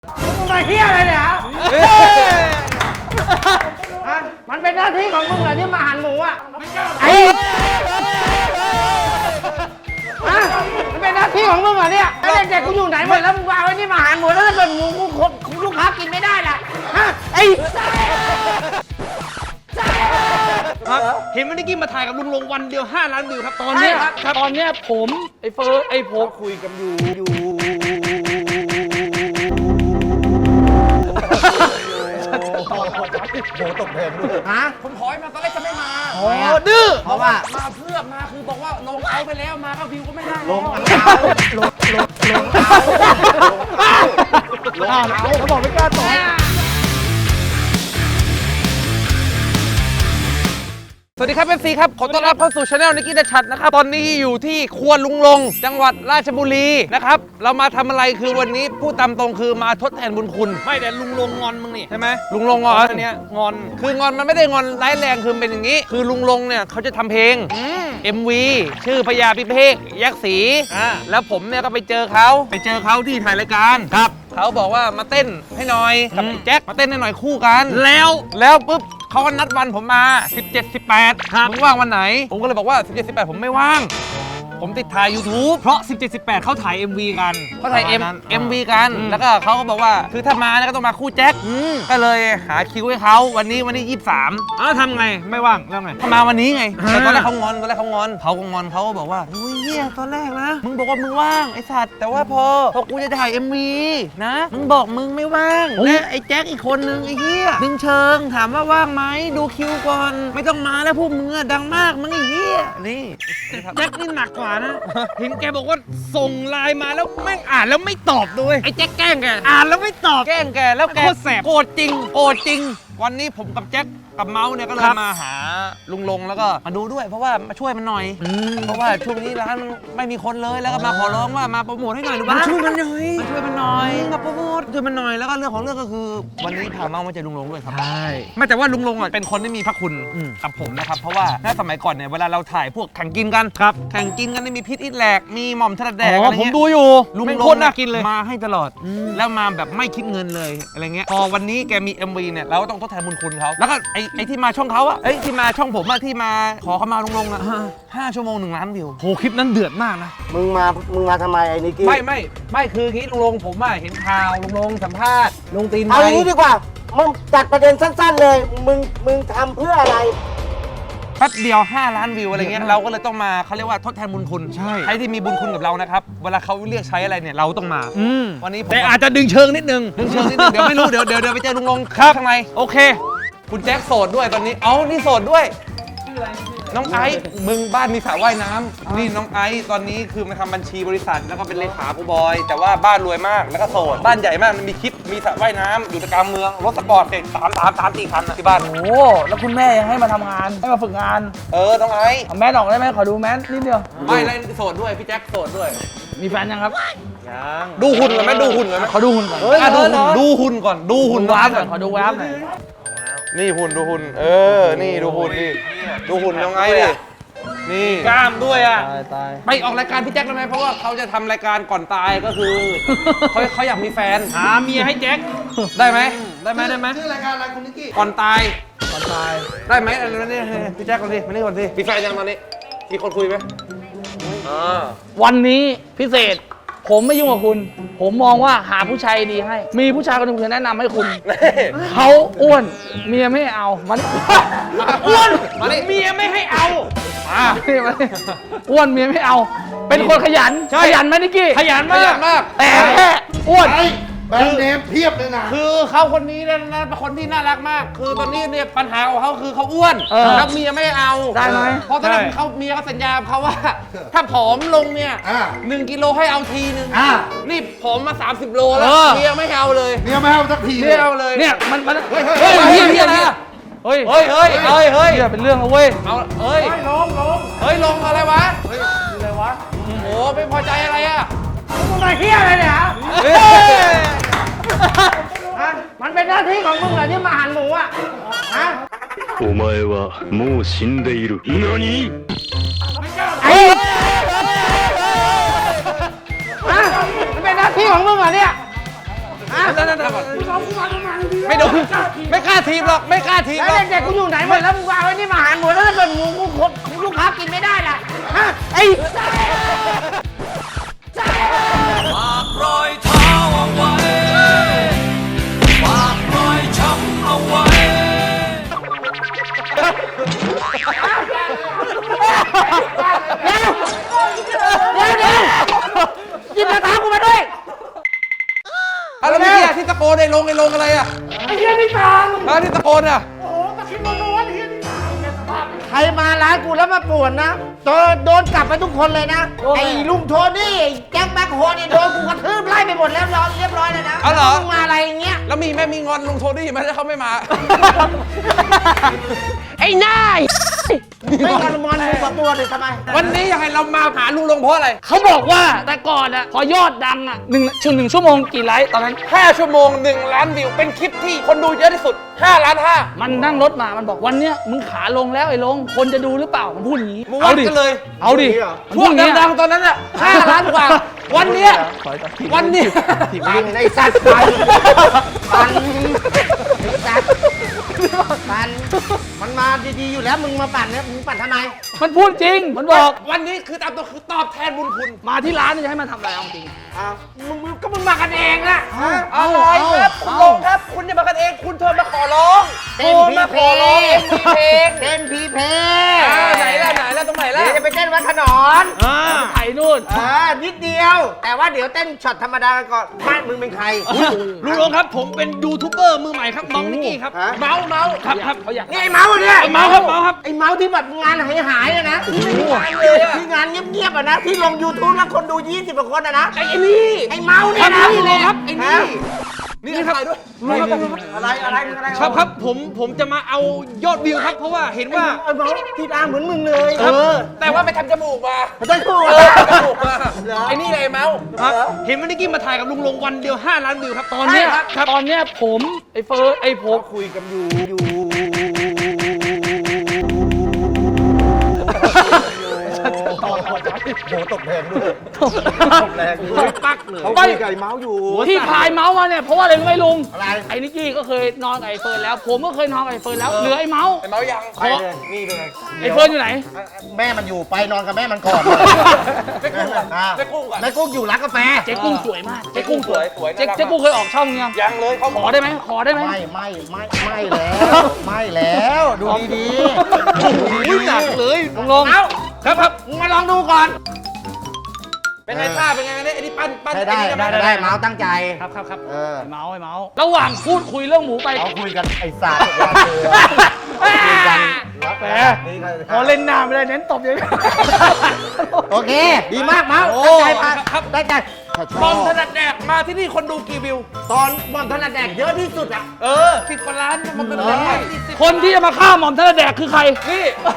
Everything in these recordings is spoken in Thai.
มึงมาเฮี้ยอะไรเนี่ยมันเป็นหน้าที่ของมึงเหรอที่มาหั่นหมูอ่ะมันเป็นหน้าที่ของมึงเหรอเนี่ยแล้วเด็กๆกูอยู่ไหนหมดแล้วมึงวางไว้นี่มาหั่นหมูแล้วถ้าเป็นหมูกูลูกค้ากินไม่ได้ล่ะเห็นวันนี้กี้มาถ่ายกับลุงลงวันเดียว5 ล้านวิวครับตอนตนี้อนเนี้ยผมไอ้เฟิร์สไอ้ผมคุยกันอยู่ตกเพลงด้วยผมถอยมาตอนแรกจะไม่มาโอ้ดื้อเพราะว่ามาเพื่อมาคือบอกว่าลงเอาไปแล้วมาก็วิวก็ไม่ได้ลงเขาบอกไม่กล้าต่อสวัสดีครับเอฟซีครับขอต้อนรับเข้าสู่ช anel นิกกี้เดชัดนะครับตอนนี้อยู่ที่ครัวลุงลงจังหวัดราชบุรีนะครับเรามาทำอะไรคือวันนี้พูดตามตรงคือมาทดแทนบุญคุณไม่แต่ลุงลงงอนมึงนี่ใช่ไหมลุงลงงอนอันเนี้ยงอนคืองอนมันไม่ได้งอนร้ายแรงคือเป็นอย่างนี้คือลุงลงเนี่ยเขาจะทำเพลงMV ชื่อพญาพิเภกยักษ์ศรีแล้วผมเนี่ยก็ไปเจอเขาที่ถ่ายรายการครับเขาบอกว่ามาเต้นให้หน่อยกับไอ้แจ็คมาเต้นให้หน่อยคู่กันแล้วปุ๊บเขาก็นัดวันผมมา 17 18มึงว่างวันไหนผมก็เลยบอกว่า 17 18ผมไม่ว่างผมติดถ่าย YouTube เพราะ 17 18เขาถ่าย MV กันเขาถ่าย MV กันแล้วก็เขาก็บอกว่าคือถ้ามาเนี่ยก็ต้องมาคู่แจ็คก็เลยหาคิวให้เขาวันนี้23อ้าวทำไงไม่ว่างแล้วไงเขามาวันนี้ไงแต่ตอนแรกเขางอนเขาก็งอนเขาก็บอกว่าอุ้ยเฮียตอนแรกนะมึงบอกว่ามึงว่างไอ้สัตว์แต่ว่าพอกูจะถ่าย MV นะมึงบอกมึงไม่ว่างและไอ้แจ็คอีกคนนึงไอ้เฮียดึงเชิงถามว่าว่างไหมดูคิวก่อนไม่ต้องมาแล้วพวกมึงอะดังมากมึงไอ้เฮียนี่แจ็คนี่หนักกว่านะเห็นแกบอกว่าส่งไลน์มาแล้วแม่งอ่านแล้วไม่ตอบด้วยไอ้แจ็คแกล้งแกอ่านแล้วไม่ตอบแกล้งแกแล้วแกโคตรแสบโกรธจริงวันนี้ผมกับแจ็คกับเมาส์เนี่ยก็เลยมาหาลุงลงแล้วก็มาดูด้วยเพราะว่ามาช่วยมันหน่อยเพราะว่าช่วงนี้ร้านไม่มีคนเลยแล้วก็มาขอร้องว่ามาโปรโมทให้หน่อยหรือว่าช่วยมันหน่อยมาโปรโมทช่วยมันหน่อยแล้วก็เรื่องของเรื่องก็คือวันนี้พาเมาส์มาเจอลุงลงด้วยครับใช่ไม่แต่ว่าลุงลงอ่ะเป็นคนที่มีพระคุณกับผมนะครับเพราะว่าในสมัยก่อนเนี่ยเวลาเราถ่ายพวกแข่งกินกันแข่งกินกันมีพิษอิดแหลกมีหม่อมถนัดแดกอะไรเงี้ยผมดูอยู่ลุงลงน่ากินเลยมาให้ตลอดแล้วมาแบบไม่คิดเงินเลยอะไรเงี้ยพอวันนี้แกมี MV เนี่ยเราก็ต้องทดแทนบุญคุณเขาแล้วก็ไอ้ที่มาช่องเขาอะที่มาช่องผมอะที่มาขอเขามาลงอะ5 ชั่วโมง1 ล้านวิวโหคลิปนั้นเดือดมากนะมึงมาทำไมไอ้นิกกี้ไม่คืองี้ลุงลงผมอะเห็นข่าวลุงลงสัมภาษณ์ลงตีนเอาอย่างนี้ดีกว่ามึงจัดประเด็นสั้นๆเลยมึงทำเพื่ออะไรแป๊บเดียว5 ล้านวิวอะไรเงี้ยเราก็เลยต้องมาเขาเรียกว่าทดแทนบุญคุณใครที่มีบุญคุณกับเรานะครับเวลาเขาเรียกใช้อะไรเนี่ยเราต้องมาวันนี้แต่อาจจะดึงเชิงนิดนึงเดี๋ยวไม่รู้เดี๋ยวไปเจอลุงลงข้างในโอเคคุณแจ็คโสดด้วยตอนนี้นี่โสดด้วยน้องไอซ์มึงบ้านมีสระว่ายน้ำนี่น้องไอซ์ตอนนี้คือมาทำบัญชีบริษัทแล้วก็เป็นเลขากูบอยแต่ว่าบ้านรวยมากแล้วก็โสดบ้านใหญ่มากมันมีคลิปมีสระว่ายน้ำอยู่กลางเมืองรถสปอร์ตเสร็จ3 4 คันที่บ้านโอ้แล้วคุณแม่ยังให้มาทำงานให้มาฝึกงานน้องไอซ์เอาแม่ออกได้ไหมขอดูแม่นิดเดียวไม่แล้วโสดด้วยพี่แจ็คโสดด้วยมีแฟนยังครับยังดูหุ่นก่อนไหมดูหุ่นก่อนไหมขอดูหุ่นก่อนดูหุ่นก่อนดูหุ่นว้าวก่อนขอดูว้าวหน่อยนี่หุ่นดูหุ่นนี่ดูหุ่นนี่ดูหุ่นยังไงดินี่กล้ามด้วยอ่ะไปออกรายการพี่แจ็คได้ไหมเพราะว่าเขาจะทำรายการก่อนตายก็คือเขาอยากมีแฟนหาเมียให้แจ็คได้ไหมชื่อรายการอะไรคุณนิกกี้ก่อนตายได้ไหมอะไรนี่พี่แจ็คก่อนสิมานี่ก่อนสิมีแฟนยังตอนนี้มีคนคุยไหมวันนี้พิเศษผมไม่ยุ่งกับคุณผมมองว่าหาผู้ชายดีให้มีผู้ชายคนหนึ่งจะแนะนำให้คุณเขาอ้วนเมียไม่เอามันอ้วนเมียไม่ให้เอาอ้วนเมียไม่เอาเป็นคนขยันไหมนิกกี้ขยันมากแต่อ้วนแบรนด์เนมเพียบเลยนะคือเขาคนนี้นะเป็นคนที่น่ารักมากคือตอนนี้เนี่ยปัญหาของเขาคือเขาอ้วนแล้วเมียไม่เอาได้ไหมเพราะตอนนั้นเขาเมียเขาสัญญาเขาว่าถ้าผอมลงเนี่ย1 กิโลให้เอาทีนึงนี่ผอมมา30 โลแล้วเมียไม่เอาเลยเมียไม่เอาสักทีไม่เอาเลยเนี่ยมันเฮียนะเฮ้ยเป็นเรื่องแล้วเว้ยเอาลงอะไรวะอะไรวะโอ้ไม่พอใจอะไรอ่ะมึงมาเฮี้ยอะไรเนี่ยมันเป็นหน้าที่ของมึงเหรอที่มาหั่นหมูอ่ะお前はもう死んでいる。何？ มันเป็นหน้าที่ของมึงเหรอเนี่ยนั่นก่อนไม่โดนไม่กล้าทีมหรอกไม่กล้าทีมหรแล้อวกเด็กๆกูอยู่ไหนหมดแล้วมึงวางไว้นี่มาหารหมดแล้วถ้าเป็นหมูกูคนลูกค้ากินไม่ได้ล่ะฮะไอ้ฝากรอยเท้าเอาไว้ฝากรอยช้ำเอาไว้กินกระทะกูมาด้วยแล้วเมื่อกี้ที่ตะโกนไอ้ลงอะไรอ่ะไอ้เหี้ยนี่ตังแล้วที่ตะโกนอ่ะใครมาร้านกูแล้วมาป่วนนะโดนกลับไปทุกคนเลยนะ ไอ้ลุงโทนี่ไอ้แจ็คแบ็คโฮนี่โดนกูกระทืบไล่ไปหมดแล้วเรียบร้อยเลยนะเอาเหรอมึงมาอะไรอย่างเงี้ยแล้วมีแม่มีงอนลุงโทนี่ไหมถ้าเขาไม่มาไอ้นายไม่งอนมอนมึงกับตัวเลยทำไมวันนี้อยากให้เรามาหาลุงลงเพราะอะไรเขาบอกว่าแต่ก่อนอะพอยอดดังอะหนึ่งชั่วโมงกี่ไลค์ตอนนั้น 5 ชั่วโมง 1 ล้านวิว เป็นคลิปที่คนดูเยอะที่สุด 5 ล้าน 5 มันนั่งรถมา มันบอกวันเนี้ยมึงขาลงแล้วไอ้ลง คนจะดูหรือเปล่า มันพูดอย่างนี้มึงวัดกันเลยเอาดิพวกดังๆตอนนั้นอ่ะ5 ล้านกว่า วันเนี้ยวันนี้ปันไอ้สัตว์ปันไอ้สัตว์ปันมันมาดีๆอยู่แล้วมึงมาปั่นเนี่ยมึงปั่นทำไมมันพูดจริง มันบอกวันนี้คือตามตัวคือตอบแทนบุญคุณมาที่ร้านนี่จะให้มันทำอะไรเอาจริงมึงมากันเองนะอะไรครับคุณลงครับ คุณอย่ามากันเอง คุณโทรมาขอร้องเต้นพีมาเพขอร้องเอ็มวีเพลงเต้นพีเพไหนล่ะตรงไหนล่ะเดี๋ยวจะไปเต้นวัดถนนไถ่นู่นนิดเดียว แต่ว่าเดี๋ยวเต้นช็อตธรรมดาก่อนบ้านมึงเป็นใครลุงลงครับ ผมเป็นยูทูบเบอร์มือใหม่ครับน้องนิกกี้ครับ เมาส์ครับเขาอยากนี่ไอ้เมาส์เนี่ยไอ้เมาส์ครับไอ้เมาส์ที่แบบงานหายอะนะที่ไม่มีงานเลยอะที่งานเงียบๆอะนะที่ลง YouTube แล้วคนดู20กว่าคนอะนะไอ้นี่ไอ้เมาส์เนี่ยนะนี่เลยครับไอ้นี่นี่ถ่ายด้วยอะไรครับผมจะมาเอายอดวิวครับ เพราะว่าเห็นว่าไอ้เมาส์ที่ตาเหมือนมึงเลยแต่ว่าไปทำจมูกมาได้คู่จมูกมาไอ้นี่เลยเมาส์เห็นว่านิกกี้มาถ่ายกับลุงลงวันเดียว5 ล้านวิวครับตอนเนี้ยครับตอนเนี้ยผมไอ้เฟิร์สไอ้ผมคุยกันอยู่ตกแรงด้วยตกแรงด้วยปักเลยเขาคุยกับไอ้เมาส์อยู่ที่พายเมาส์มาเนี่ยเพราะว่าอะไรรู้ไหมลุงอะไรไอ้นิกกี้ก็เคยนอนกับไอ้เฟิร์นแล้ว ผมก็เคยนอนกับไอ้เฟิร์นแล้วเหลือไอ้เมาส์ไอ้เมาส์ยังไปเลยนี่เลยไอ้เฟิร์นอยู่ไหนแม่มันอยู่ไปนอนกับแม่มันก่อนไม่กุ้งก่อนไม่กุ้งก่อนแม่กุ้งอยู่ร้านกาแฟเจ๊กุ้งสวยมากเจ๊กุ้งสวยน่ารักมากเจ๊กุ้งเคยออกช่องยังยังเลยเขาขอได้ไหมขอได้ไหมไม่แล้วไม่แล้วดูดีอุ้ยหนักเลยลงๆเอ้าครับมึงมาลองดูก่อนเป็นไงท่าเป็นไงเนี่ยไอ้นี่ปั้นได้เมาส์ตั้งใจครับเออไอ้เมาส์ระหว่างพูดคุยเรื่องหมูไปเขาคุยกันไอ้สัตว์คุยกันแหมพอเล่นหน้าไม่ได้เน้นตบอย่างนี้โอเค ดีมากเมาส์โอ้ตั้งใจมาตั้งใจบอมถนัดแดกมาที่นี่คนดูกี่วิวตอนบอมถนัดแดกเยอะที่สุดอ่ะ 10 กว่าล้านมันเป็นคนที่จะมาฆ่าหม่อมท่านแดกคือใครนี่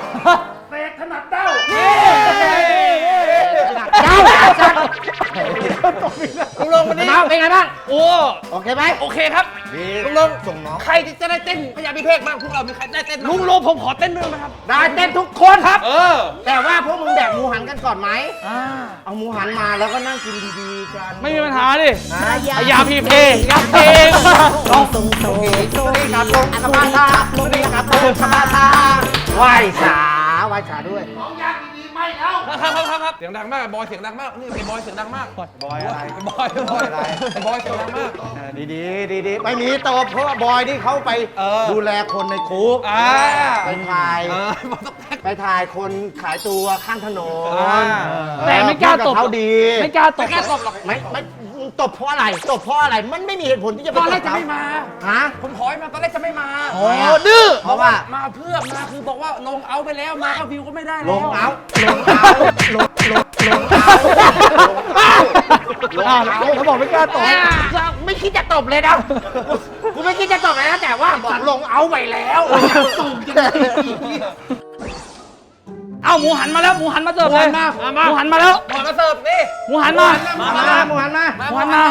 เจ้าสัตว์ลุงลงวันนี้เมาส์เป็นไงบ้างโอ้โอเคไหมโอเคครับดีลุงลงส่งน้องใครจะได้เต้นพญาพิเภกบ้างพวกเรามีใครได้เต้นลุงลงผมขอเต้นด้วยนะครับได้เต้นทุกคนครับอแต่ว่าพวกมึงแดกหมูหันกันก่อนไหม เอาหมูหันมาแล้วก็นั่งกินดีๆกันไม่มีปัญหาดินะพยาพีเพยักเพลงลองสวัสดีครับลงสมาธาสวัสดีครับลงสมาธาไหว้สาด้วยครับเสียงดังมากบอยเสียงดังมากนี่ไอ้บอยเสียงดังมากบอยอะไรบอยอะไรไอ้บอยเสียงดังมากดีไม่มีตบเพราะว่าบอยนี่เขาไปดูแลคนในคุกไปถ่ายคนขายตัวข้างถนนแต่ไม่กล้าตบเขาดีไม่กล้าตบหรอกไม่ตบเพราะอะไรตบเพราะอะไรมันไม่มีเหตุผลที่จะไปตอนตแรบกจะเขาไม่มาฮะผมขอให้มาตอนแรกจะไม่มาโอ้ดื้อเพราะว่ามาเพื่อมาคือบอกว่าลงเอาไปแล้วมาเอาวิวก็ไม่ได้ลแล้วงเอาเขาบอกไม่กล้าตบไม่คิดจะตบเลยนะกูไม่คิดจะตบเลยนะแต่ว่าบอกลงเอาไปแล้วสูงจริงเอ้าหมูหันมาแล้วหมูหันมาเสิร์ฟเลยหมูหันมาแล้วหมอมาเสิร์ฟนี่หมูหันมาหมูหันมา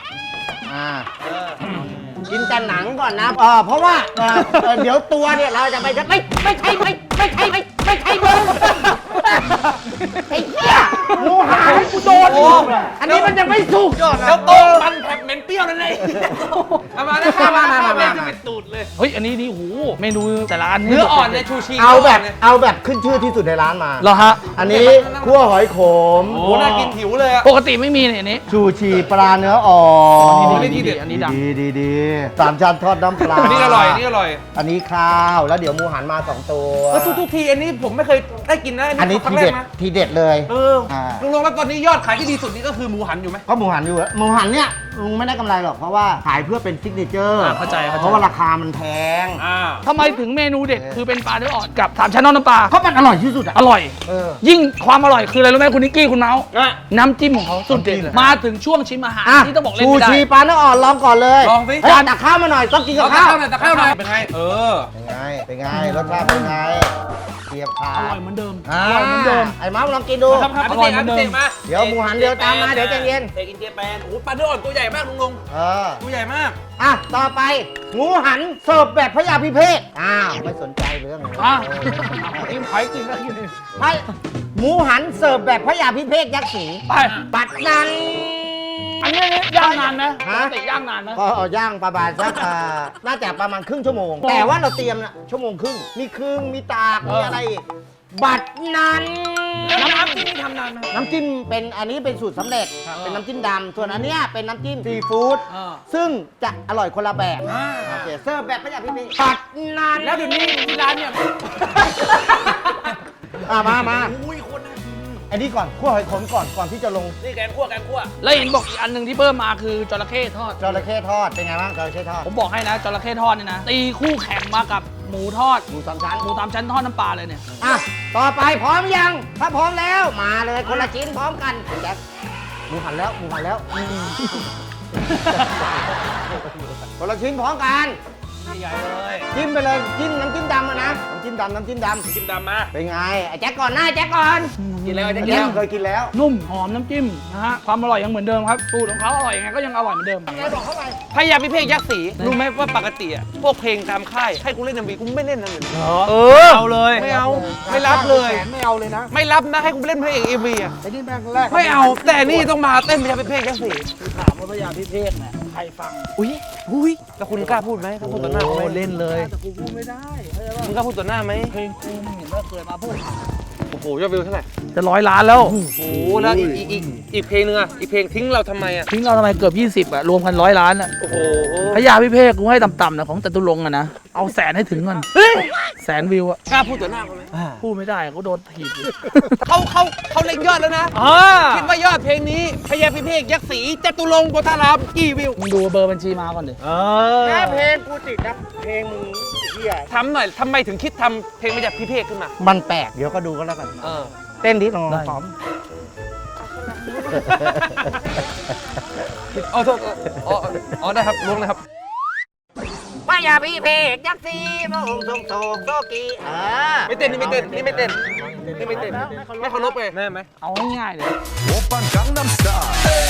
กินแต่หนังก่อนนะเพราะว่าเดี๋ยวตัวเนี่ยเราจะไม่ใช่มึงไอ้เหี้ยหมูหันกูโดนอันนี้มันยังไม่สุกแล้วโต๊ะมันแผบเหม็นเปรี้ยวนั่นเองเอามาแล้วข้าวมาเป็นตูดเลยเฮ้ยอันนี้นี่โหเมนูแต่ละอันเนื้ออ่อนในชูชีเอาแบบขึ้นชื่อที่สุดในร้านมาเหรอฮะอันนี้คั่วหอยขมโอ้น่ากินหิวเลยอะปกติไม่มีเนี่ยอันนี้ชูชีปลาเนื้ออ่อนอันนี้ดีอันนี้ดังดีสามชั้นทอดน้ำปลาอันนี้อร่อยอันนี้อร่อยอันนี้ข้าวแล้วเดี๋ยวหมูหันมา2ตัวทุกทีอันนี้ผมไม่เคยได้กินนะอันนี้ครั้ทีงแรเด็กดนะทีเด็ดเลยลุงลงแล้วตอนนี้ยอดขายที่ดีสุดนี่ก็คือหมูหันอยู่ไหมก็หมูหันอยู่หมูหันเนี่ยลุงไม่ได้กำไรหรอกเพราะว่าขายเพื่อเป็นซิกเนเจอร์เข้าใจเพราะว่าราคามันแพงทำไมถึงเมนูเด็ดคือเป็นปลาเนื้ออ่อนกับสามชั้นนอกน้ำปลาเพราะมันอร่อยที่สุดอ่ะอร่อยเออยิ่งความอร่อยคืออะไรรู้ไหมคุณนิกกี้คุณเมาส์อ่ะน้ำจิ้มของเขาสุดเด็ดเลยมาถึงช่วงชิมอาหารอ่ะที่ต้องบอกเล่นชูไม่ได้ชีปลาเนื้ออ่อนลองก่อนเลยลองสิเฮ้ยตักข้าวมาหน่อยต้องกินกับเอาตะข้าวข้าวหน่อยตะข้าวหน่อยเป็นไงเป็นไงรสชาติเป็นไงเทียบขาอร่อยเหมือนเดิมอร่อยเหมือนเดิมไอ้ม้าลองกินดูครับพิเศษพิเศษมาเดี๋ยวหมูหันเดี๋ยวตามมาเดี๋ยวใจเย็นเตกินเจแปนโอ้ปลาเนื้ออ่อนตัวใหญ่มากลุงลงเออตัวใหญ่มากอ่ะต่อไปหมูหันเสิร์ฟแบบพระยาพิเภกอ้าวไม่สนใจเรื่องเลยอ่ะกินหอยกินก็กินหมูหันเสิร์ฟแบบพระยาพิเภกยักษ์สีไปปัดนันอันนี้ย่างนานไหมฮะปกติย่างนานไหมก็เอาย่างประมาณสักน่าจะประมาณครึ่งชั่วโมง แต่ว่าเราเตรียมนะชั่วโมงครึ่งมีครึ่งมีตากมีอะไรอีกบัดนั้นน้ำจิ้มนี่ทำนานไหมน้ำจิ้มเป็นอันนี้เป็นสูตรสำเร็จเป็นน้ำจิ้มดำส่วนอันเนี้ยเป็นน้ำจิ้มซีฟู้ดซึ่งจะอร่อยคนละแบบโอเคเสิร์ฟแบบพระยาพิเภกบัดนั้นแล้วเดี๋ยวนี้ที่ร้านเนี่ยมาอุ้ยคนน่ากินอันนี้ก่อนคั่วหอยขมก่อนที่จะลงนี่แกงคั่วแล้วเห็นบอกอีกอันหนึ่งที่เพิ่มมาคือจระเข้ทอดจระเข้ทอดเป็นไงบ้างจระเข้ทอดผมบอกให้นะจระเข้ทอดเนี่ยนะตีคู่แข่งมากับหมูทอดหมูสามชั้นหมูตามชั้นทอดน้ำปลาเลยเนี่ยอ่ะต่อไปพร้อมยังถ้าพร้อมแล้วมาเลยคนละชิ้นพร้อมกันแจ็คหมูหันแล้วคนละชิ้นพร้อมกันใหญ่เลยจิ้มไปเลยจิ้มน้ำจิ้มดำอะนะน้ำจิ้มดำจิ้มดำมาเป็นไงไอ้แจ็คก่อนหน้าแจ็คก่อนกินแล้วจะแจ็กินคเคยกินแล้วนุ่มหอมน้ำจิ้มนะฮะความอร่อยยังเหมือนเดิมครับสูตรของเขาอร่อยยังไงก็ยังอร่อยเหมือนเดิมไงบอกเข้าไปพยาพิเภกยักษ์สีรู้ไหมว่าปกติอะพวกเพลงตามค่ายให้กูเล่น MV กูไม่เล่นนะเลยเอาเลยไม่เอาไม่รับเลยไม่เอาเลยนะไม่รับนะให้กูเล่นเพลง MV อะไอ้นี่แม่งแรกไม่เอาแต่นี่ต้องมาเต้นพยาพิเภกยักษ์สีถามว่าพระยาพิเภกเนี่ยใครฟังอุ้ยแล้วคุณกล้าพูดไหมกล้าพูดต่อหน้าเขาไหมเล่นเลยแต่กูพูดไม่ได้มึงกล้าพูดต่อหน้าไหมเพลงกูมึงเห็นว่าเคยมาพูดโอ้โหยอดวิวเท่าไหร่จะ100 ล้านแล้วโอ้โหแล้วอีกเพลงนึงอะอีกเพลงทิ้งเราทำไมอะทิ้งเราทำไมเกือบ20อะรวมกัน100 ล้านอะโอ้โหพระยาพิเภกกูให้ต่ำๆนะของจตุรงค์อะนะเอาแสนให้ถึงก่อนแสนวิวอะกล้าพูดต่อหน้าเขาไหมพูดไม่ได้ก็โดนถีบอยู่เขาเล็งยอดแล้วนะคิดว่ายอดเพลงนี้พยาพิเภกยักษ์สีจตุรงค์โพธารามกี่วิวมึงดูเบอร์บัญชีมาก่อนดิแค่เพลงกูติดนะเพลงมึงเฮียทำหน่อยทำไมถึงคิดทำเพลงพยาพิเภกขึ้นมามันแปลกเดี๋ยวก็ดูก็แล้วกันเต้นดิลองพร้อมอ๋อโทษอ๋อได้ครับล้วงเลยครับพระยาพิเภกยักษ์สีพระองค์ทรงโศกโศกีไม่เต้นนี่ไม่เต้นนี่ไม่เต้นนี่ไม่เต้นไม่เคารพไงแม่ไหมเอาง่ายๆเลย 오빤 강남스타일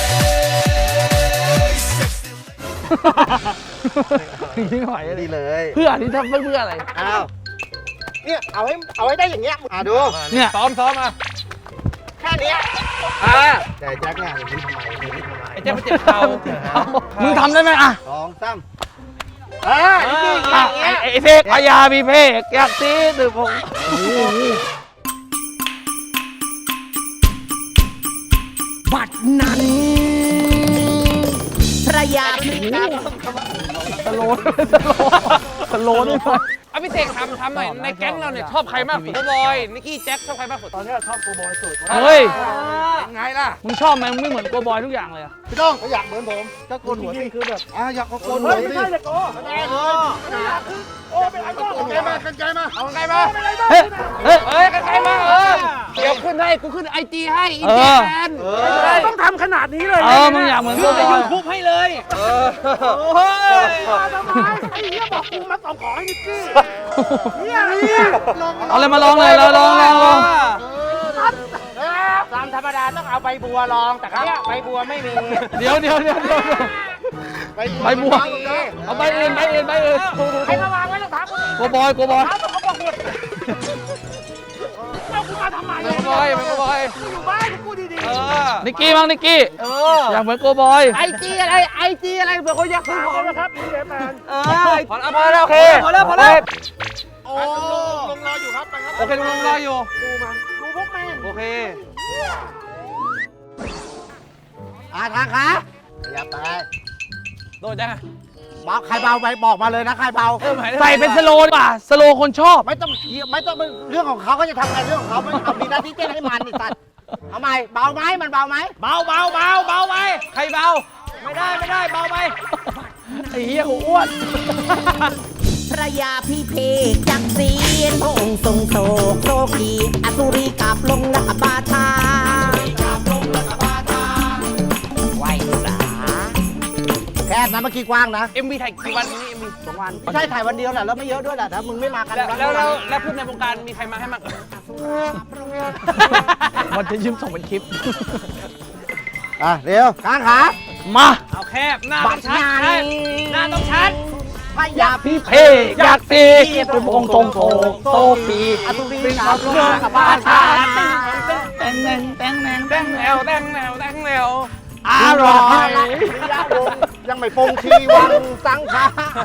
ไม่ไหวเลยดีเลยเพื่อที่ทำเพื่ออะไรอ้าวเนี่ยเอาให้ได้อย่างเงี้ยดูเนี่ยซ้อมมาแค่เนี้ยแต่แจ็คเนี่ยอย่างนี้ทำไมอย่างนี้ทำไมไอ้เจ้ามันเจ็บเข่ามึงทำได้ไหมอ่ะ 2 3นี่อ่ะอย่างเงี้ยไอ้เพกพยาพิเภกอยากซีตึกผมบัดนั้นพระยาพิเภกสโลว์ด้วยไหมอภิเษกทำหน่อยในแก๊งเราเนี่ยชอบใครมากสุดโกบอยนิกกี้แจ็คชอบใครมากสุดตอนนี้ชอบโกบอยสุดเฮ้ยไงล่ะมึงชอบไหมมึงไม่เหมือนโกบอยทุกอย่างเลยอะพี่ต้องอยากเหมือนผมก็โกนหัวสิคือแบบอยากโกนหัวดิกันไกลมาเอาไกลมาเฮ้ยเฮ้ยเอ้ยกันไกลมาเดี๋ยวขึ้นให้กูขึ้นIGให้อินเจแมนต้องทำขนาดนี้เลยมึงอยากเหมือนโกขึ้นบในอยยูทูบให้เลยโอ้ยทำไมไอ้เหี้ยบอกกูมาส่งของให้นิกกี้เนี่ยเอาเลยมาลองเลยลองตามธรรมดาต้องเอาใบบัวลองแต่เนี่ยใบบัวไม่มีเดี๋ยวใบบัวเอาใบอื่นใครมาวางไว้รองเท้ากูโกบอยเขาบอกหมดเอากูมามาทำไมแมงโกบอยแมงโกบอยอยู่บ้านกูดีนิกกี้มั้งนิกกี้อยากเหมือนโกบอยไอจีอะไรเผื่อคนอยากซื้อของนะครับพี่แมนพอแล้วโอเคพอแล้วโอ้ลงรออยู่ครับไปครับโอเคลุงรออยู่ดูพวกแม่งโอเคทางขาอย่าไปโดนยังเบาใครเบาไปบอกมาเลยนะใครเบาใส่เป็นสโลว์ดีกว่าสโลว์คนชอบไม่ต้องเรื่องของเขาก็จะทำงานเรื่องของเขาไม่เอามีหน้าที่เต้นให้มันไอ้สัตว์เอาใหม่เบาไหมมันเบาไหมเบาไปใครเบาไม่ได้เบาไปไอ้เหี้ยกูอ้วนพระยาพิเภกจักรีนพระองค์ทรงโศกโศกีอสุรีกลับลงละบาทาไหวสาแค่นั้นเมื่อกี้กว้างนะ MV ถ่ายกี่วันนี้ MV 2 วันไม่ใช่ถ่ายวันเดียวแหละแล้วไม่เยอะด้วยแหละถ้ามึงไม่มากันแล้วเพื่อนในวงการมีใครมาให้มั่งมันจะยืมส่งเป็นคลิปเร็วกางขามาเอาแคบหน้าต้องชัดหน้าต้องชัดพยาพี่เพอยากตีเป็นองค์ทรงโศกโซฟีอสุรีกลับลงละบาทาแตงแนงแนวอร่อยยังไม่ปงชีวังสังขา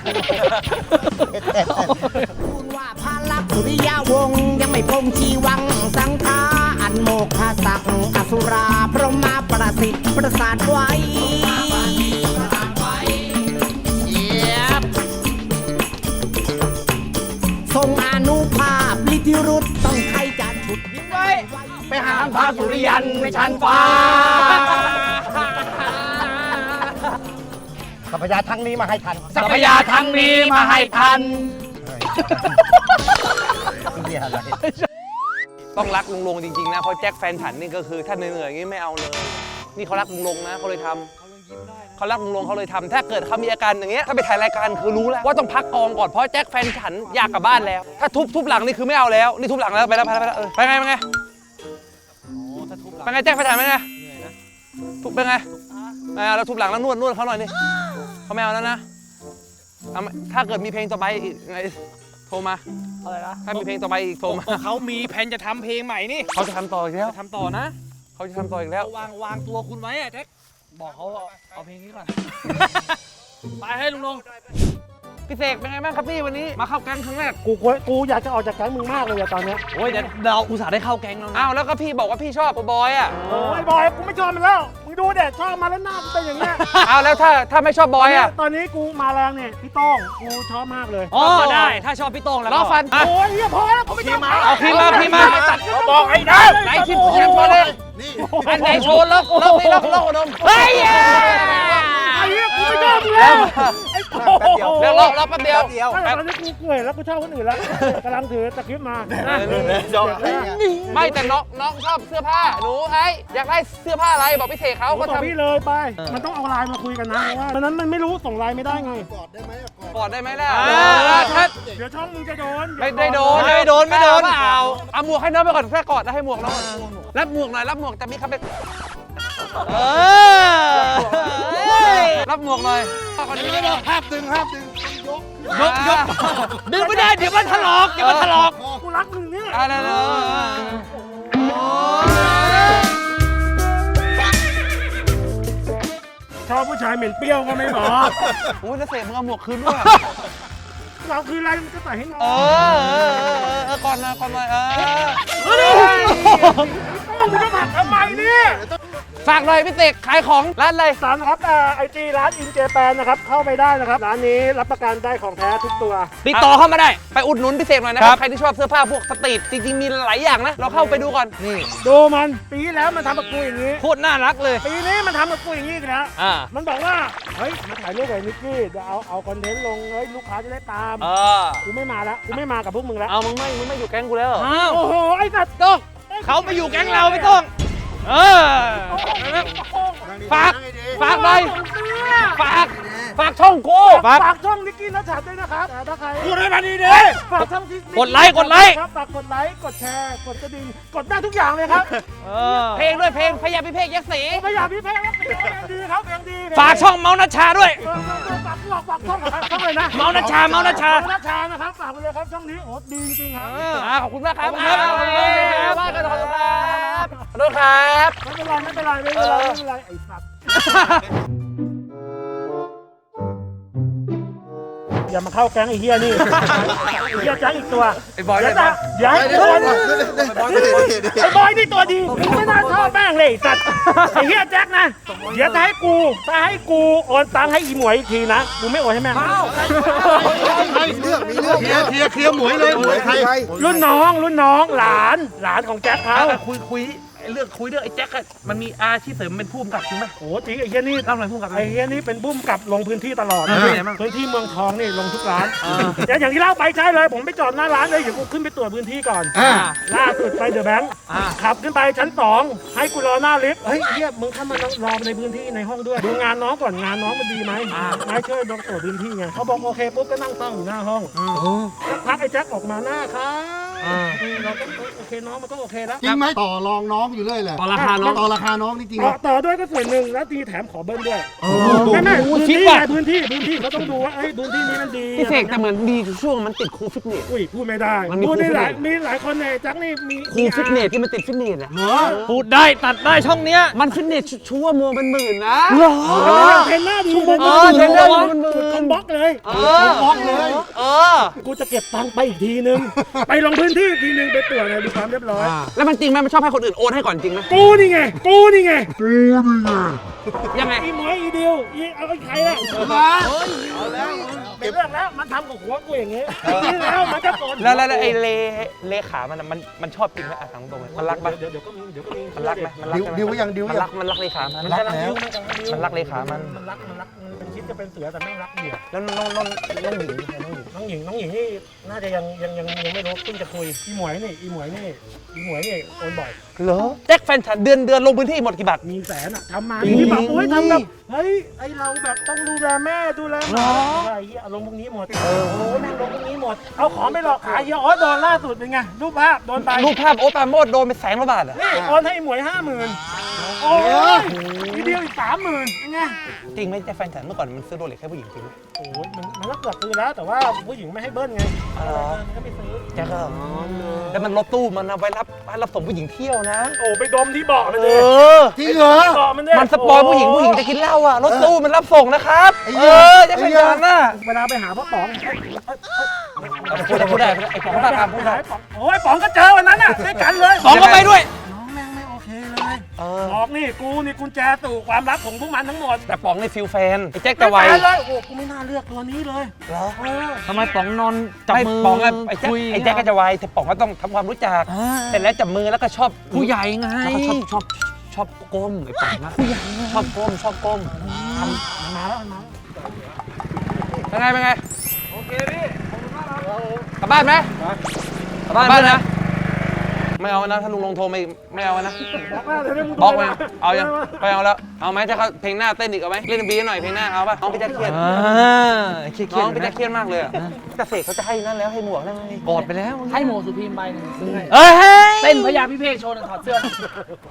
ทูลว่าพระลักษณ์สุริยาวงศ์ยังไม่พงชีวังสังฆาอันโมฆะสักอสุราพรหมาประสิทธิ์ประสาทไว้ทรงอนุภาพฤทธิรุธต้องใครจะฉุดยิ้มไว้ไปหาพระสุริยันในชั้นฟ้าสัพยาทั้งนี้มาให้ทันสัพยาทั้งนี้มาให้ทันเหี้ยอะไรต้องรักลุงลงจริงๆนะเพราะแจ็คแฟนฉันนี่ก็คือถ้าเหนื่อยๆอย่างนี้ไม่เอาเลย นี่เขารักลุงลงนะเขาเลยทำเขารักลุงลงเขาเลยทำถ้าเกิดเขามีอาการอย่างเงี้ยถ้าไปถ่ายรายการคือรู้แล้วว่าต้องพักกองก่อนเพราะแจ็คแฟนฉันอยากกลับบ้านแล้ว ถ้าทุบหลังนี่คือไม่เอาแล้วนี่ทุบหลังแล้วไปแล้วไปไงแจ็คแฟนฉันไปไงทุบไปไงไม่เอาแล้วทุบหลังแล้วนวดเขาหน่อยนี่เขาไม่เอาแล้วนะถ้าเกิดมีเพลงต่อไปอีกไงโทรมาอะไรนะถ้ามีเพลงต่อไปอีกโทรมาเขามีแผนจะทำเพลงใหม่นี่เขาจะทำต่ออีกแล้วทำต่อนะเขาจะทำต่ออีกแล้ววางตัวคุณไว้อะแจ็คบอกเขาเอาเพลงนี้ก่อนไปให้ลุงลงพี่เสกเป็นไงบ้างครับพี่วันนี้มาเข้าแก๊งครั้งแรกกูอยากจะออกจากแก๊งมึงมากเลยอะตอนเนี้ยโอ้ยเดี๋ยวเราอุตส่าห์ได้เข้าแก๊งแล้วอ้าวแล้วก็พี่บอกว่าพี่ชอบโบบอยอ่ะโอ้ยบอยกูไม่ชอบมันแล้ว มึงดูเด็ดชอบมาแล้วหน้ากูเป็นอย่างเงี้ยอ้าวแล้วถ้าไม่ชอบบอยอ่ะตอนนี้กูมาแรงเนี่ยพี่โต้งกูชอบมากเลยอ๋อได้ถ้าชอบพี่โต้งแล้วล้อฟันโอ้ยเฮียพอแล้วกูไม่ชอบเอาพี่มาบอกไอ้นะไหนชิมโชว์เลยอันไหนโชว์ล็อกอุดมเฮ้ยไอ้เฮียกูไม่ชอบมึงแล้วไอ้โต้งเดี๋ยวล็อกแป๊บเดียวตอนนี้กูเหนื่อยแล้วกูชอบคนอื่นแล้วกำลังถือตะคริปมาไม่แต่น้องชอบเสื้อผ้าหนูไอ้อยากได้เสื้อผ้าอะไรบอกพี่เสกเขาก็ก็บอกทำพี่เลยไป มันต้องเอาไลน์มาคุยกันนะเพราะว่าตอนนั้นมันไม่รู้ส่งไลน์ไม่ได้ไงกอดได้ไหมล่ะถ้าเดี๋ยวช่องมึงจะโดนไม่โดนเอาหมวกให้น้องไปก่อนแค่กอดแล้วให้หมวกน้องรับหมวกหน่อยรับหมวกแต่มีคำเป็นรับหมวกหน่อยภาพดึงยกดึงไม่ได้เดี๋ยวมันถลอกกูรักมึงเนี่ยอะไรเลยชอบผู้ชายเหม็นเปรี้ยวก็ไม่บอกโอ้ยแล้วเสกมึงเอาหมวกคืนด้วยเราคืออะไรมันก็ใส่ให้น้องก่อนหน่อยมึงจะผักทำไมเนี่ยฝากหน่อยพี่เสกขายของร้านอะไรสามครับไอจีร้านอินเจแปนนะครับเข้าไปได้นะครับร้านนี้รับประกันได้ของแท้ทุกตัวติดต่อเข้ามาได้ไปอุดหนุนพี่เสกหน่อยนะครับใครที่ชอบเสื้อผ้าพวกสตรีทจริงๆมีหลายอย่างนะเราเข้าไปดูก่อนนี่ดูมันปีที่แล้วมันทำกับกูอย่างนี้โคตรน่ารักเลยปีนี้มันทำกับกูอย่างนี้อีกแล้ว มันบอกว่าเฮ้ยมาถ่ายรูปกับนิกกี้เดี๋ยวเอาคอนเทนต์ลงเฮ้ยลูกค้าจะได้ตามกูไม่มาแล้วกูไม่มากับพวกมึงแล้วเอามึงไม่อยู่แก๊งกูแล้วอ้าวโอ้โหไอ้สัตว์ต้องเขาไปอยู่แก๊งเราไม่ต้องฝากหน่อยฝากฝากช่องกูฝากช่องนิกกี้นัชชัดด้วยนะครับถ้าใครพูดให้มันดีดิฝากช่องที่กดไลค์กดไลค์ครับฝากกดไลค์กดแชร์กดกระดิ่งกดได้ทุกอย่างเลยครับเพลงด้วยเพลงพยาพิเภกยักษ์ศรีพยายามพี่เพลงครับยังดีครับยังดีฝากช่องเมาส์นัชชาด้วยฝากช่องนะครับช่องเลยนะเมาส์นัชชาเมาส์นัชชาเมาส์นัชชานะครับฝากไปเลยครับช่องนี้โอ้ดีจริงๆครับขอบคุณมากครับว่ากันขอบคุณครับขอโทษครับไม่เป็นไรไม่เป็นไรไอ้สัตว์อย่ามาเข้าแก๊งไอ้เฮียนี่ไอ้เฮียแก๊งอีกตัวไอ้บอยเดี๋ยวนะเดี๋ยวไอ้บอยนี่ตัวดีมึงไม่น่าชอบแม่งเลยไอ้สัตว์ไอ้เฮียแจ็คนะเดี๋ยวถ้าให้กูโอนตังค์ให้อีหมวยอีกทีนะกูไม่โอนให้แม่งเคลียร์หมวยเลยหมวยใครรุ่นน้องหลานของแจ็คเขาคุยเรื่องคุยเรื่องไอ้แจ็คมันมีอาชีพเสริมเป็นผู้กำกับจริงไหมโอ้จริงไอ้เฮียนี่ทำอะไรผู้กำกับไอ้เฮียนี่เป็นบุ้มกับลงพื้นที่ตลอดเป็นไงบ้างพื้นที่เมืองทองนี่ลงทุกร้านแต่อย่างที่เล่าไปใช่เลยผมไปจอดหน้าร้านเลยเดี๋ยวกูขึ้นไปตรวจพื้นที่ก่อนล่าสุดไปเดอะแบงค์ขับขึ้นไปชั้น2ให้กูรอหน้าลิฟต์เฮ้ยเฮียมึงเข้ามารอในพื้นที่ในห้องด้วยดูงานน้องก่อนงานน้องมันดีไหมนายช่วยลองตรวจพื้นที่ไงเขาบอกโอเคปุ๊บก็นั่งเฝ้าอยู่หน้าห้องสักพักไอ้แจ็คออกมาหน้าครับเราก็โอเคน้องมันก็โอเคแล้วจริงไหมต่อรองน้องอยู่เรื่อยเลยต่อราคาน้องต่อราคาน้องนี่จริงไหมต่อด้วยก็ส่วนหนึ่งแล้วตีแถมขอเบิ้ลด้วยไม่พื้นที่เขาต้องดูว่าพื้นที่นี้มันดีพี่เสกแต่เหมือนดีช่วงมันติดครูฟิตเนสอุ้ยพูดไม่ได้มันมีพูดได้ครูฟิตเนสมีหลายคนในแจ็คนี่มีครูฟิตเนสที่มันติดฟิตเนสอ่ะพูดได้ตัดได้ช่องเนี้ยมันฟิตเนสชั่วโมงเป็นหมื่นนะเทรนเนอร์ดีเทรนเนอร์อยู่เป็นหมื่นคนบล็อกเลยบล็อกเลยกูจะเก็บตังค์ไปอีกทีนึง ไปลงพื้นที่อีกทีนึงไปตรวจเลยดูความเรียบร้อยแล้วมันจริงไหมมันชอบให้คนอื่นโอนให้ก่อนจริงไหมกูนี่ไงยังไงอีหมวยอีดิวอีเอาไอ้ใครล่ะเป็นเรื่องแล้วมันทำกับหัวกูอย่างงี้นี่แล้วมันจะโกรธแล้วไอ้เลขามันชอบจริงไหมอ่ะถามตรงเลยมันรักไหมเดี๋ยวก็มีมันรักไหมมันรักดิวยังดิวมันยัรักงมันรักเลขามันรักแล้วมันรักเลขามันมันรักมันเป็นคิดจะเป็นเสือแต่ไม่รักเหยื่อแล้วน้องหญิงใครน้องหญิงน้องหญิงนี่น่าจะยังไม่รู้เพิ่งจะคุยอีหมวยนี่โอนบ่อยเหรอแจ็คแฟนฉันเดือนลงพื้นที่หมดกี่บาทมีแสนอ่ะทำมาที่แบบโอ้ยทำแบบเฮ้ยไอเราแบบต้องดูแลแม่ดูแลหมาใช่เฮียลงพวกนี้หมดโอ้ยนั่งลงพวกนี้หมดเอาของไปหลอกขายเฮียอ๋อโดนล่าสุดเป็นไงรูปภาพโดนไปรูปภาพโอ๊ตปราโมดโดนไป100,000 กว่าบาทอ่ะนี่โอนให้หมวย 50,000โอ้ยทีเดียวอีก 30,000เป็นไงจริงไหมแจ็คแฟนฉันเมื่อก่อนมันซื้อโรเล็กให้ผู้หญิงจริงไหมโอ้ยมันก็เกือบซื้อแล้วแต่ว่าผู้หญิงไม่ให้เบิ้ลไงมันก็ไม่ซื้อแจ็คก็แล้วมันรถตู้มันเอาไว้รับส่งผู้หญิงเที่ยวนะโอ้ไปดมที่เบาะมันเลยจริงเหรอเบาะมันเนี่ยมันสปอยผู้หญิงจะกินเหล้าอ่ะรถตู้มันรับส่งนะครับแจ็คแฟนฉันน่ะเวลาไปหาพ่อป๋องพูดได้ไอ้ป๋องก็ตามพูดได้โอ้ยป๋องก็เจอวันนั้นน่ะด้วยกันเลยป๋องก็ไปด้วยน้องแม่งไม่โอเคเลยบอกนี่กูนี่กุญแจสู่ความลับของพวกมันทั้งหมดแต่ป๋องในฟิลแฟนไอ้แจ็คแต่ไวไม่เลยโอ้กูไม่น่าเลือกตัวนี้เลยเหรอทำไมป๋องนอนจับไม่มือป๋องอะไอ้แจ็คคุยไอ้แจ็คก็จะไวแต่ป๋องก็ต้องทำความรู้จักเสร็จแล้วจับมือแล้วก็ชอบผู้ใหญ่ไงแล้วก็ชอบก้มไอ้ป๋องนะชอบก้มมันมาแล้วเป็นไงโอเคพี่กลับบ้านไหมกลับบ้านนะไม่เอานะถ้าลุงลงโทรไม่เอานะ บล็อกไปเอายังไปเอาแล้วเอาไหมจะเขาเพลงหน้าเต้นอีกเอาไหมเล่นบีหน่อยเพลงหน้าเอาป่ะน้องพี่แจ๊คเครียดเครียดน้องพี่แจ๊คเครียดมากเลยอะแต่เสกเขาจะให้นั่นแล้วให้หมวกแล้วไงกอดไปแล้วให้โมสุพีมใบหนึ่งซื้อให้เอ้ยเต้นพยาพิเภกโชว์หนึ่งถอดเสื้อ